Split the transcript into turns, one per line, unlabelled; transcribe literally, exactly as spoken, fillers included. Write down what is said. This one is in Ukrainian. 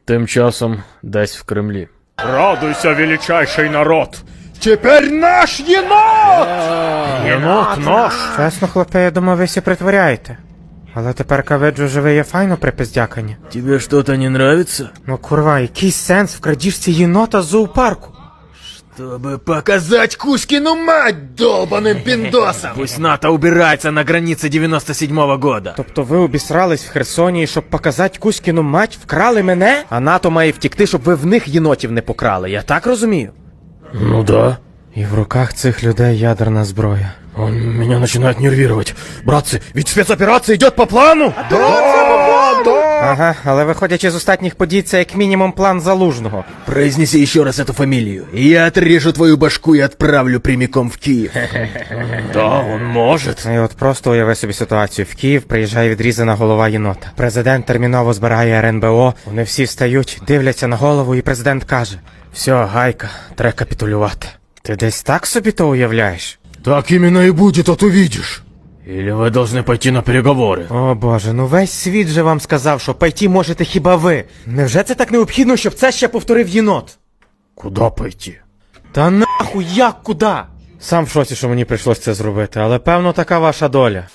Тим часом десь в Кремлі.
Радуйся, величайший народ! Тепер наш єнот! Єнот наш!
Чесно, хлопе, я думав, ви всі притворяєте. Але тепер виджу, що ви є файно припиздякані.
Тебе что-то не нравится?
Ну курва, який сенс в крадіжці єнота з зоопарку?
Чтобы показать Кузькину мать долбаным пиндосам! Пусть НАТО убирается на границе девяносто седьмого года.
Тобто ви обісрались в Херсоні, і щоб показати Кузькіну мать, вкрали мене? А НАТО має втікти, щоб ви в них єнотів не покрали, я так розумію?
Ну да.
І в руках цих людей ядерна зброя.
Он меня начинает нервировать. Братцы, ведь спецоперация идет по плану!
Ага, але виходячи з останніх подій, це як мінімум план Залужного.
Произнеси еще раз эту фамилию, и я отрежу твою башку и отправлю прямиком в Киев. Да, он может.
І от просто уяви собі ситуацію. В Київ приїжджає відрізана голова єнота. Президент терміново збирає ер ен бе о, вони всі встають, дивляться на голову, і президент каже: «Все, гайка, треба капітулювати». Ти десь так собі то уявляєш?
Так именно и будет, а ты видишь. Или вы должны пойти на переговоры?
О боже, ну весь світ же вам сказав, що пойти можете хіба ви. Невже це так необхідно, щоб це ще повторив єнот?
Куда пойти?
Та нахуй, як куди? Сам в шоці, що мені прийшлось це зробити, але певно така ваша доля.